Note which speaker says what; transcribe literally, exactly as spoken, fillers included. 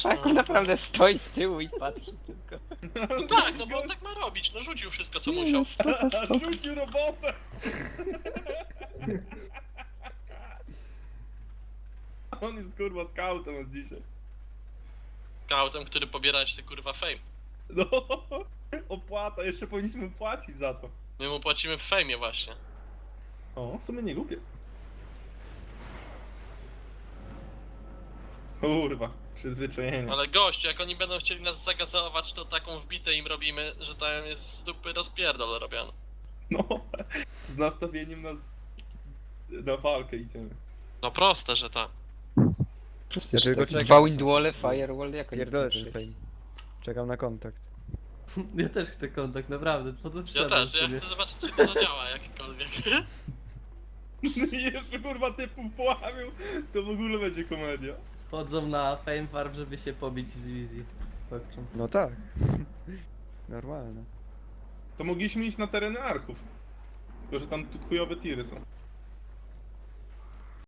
Speaker 1: Szaku naprawdę stoi z tyłu i patrzy tylko.
Speaker 2: No tak, no bo on tak ma robić, no rzucił wszystko co
Speaker 1: Nie,
Speaker 2: musiał.
Speaker 1: no spoko, spoko.
Speaker 3: Rzucił robotę! On jest kurwa scoutem od dzisiaj.
Speaker 2: Skautem, który pobiera jeszcze kurwa fame.
Speaker 3: No, opłata, jeszcze powinniśmy płacić za to.
Speaker 2: My mu płacimy w fejmie właśnie.
Speaker 3: O, w sumie nie głupie. Kurwa, przyzwyczajenie.
Speaker 2: Ale gościu, jak oni będą chcieli nas zagazować, to taką wbitę im robimy, że tam jest z dupy rozpierdol robiony.
Speaker 3: No, z nastawieniem na, na walkę idziemy.
Speaker 2: No proste, że tak.
Speaker 1: Proste,
Speaker 4: Ja
Speaker 1: że
Speaker 4: tylko
Speaker 1: tak.
Speaker 4: czekam.
Speaker 1: Dwa windwalle, firewall, jak oni
Speaker 4: Pierdolę
Speaker 1: chcą
Speaker 4: ten
Speaker 1: przejść?
Speaker 4: fame. Czekam na kontakt.
Speaker 5: Ja też chcę kontakt, naprawdę, po to
Speaker 2: Ja
Speaker 5: przyszedłem
Speaker 2: też, ja
Speaker 5: sobie.
Speaker 2: chcę zobaczyć czy to zadziała jakkolwiek.
Speaker 3: I jeszcze kurwa typów połamił, to w ogóle będzie komedia.
Speaker 5: Chodzą na Fame Farm, żeby się pobić z wizji. Patrzą.
Speaker 4: No tak. Normalne.
Speaker 3: To mogliśmy iść na tereny archów. Tylko, że tam tu chujowe tiry są.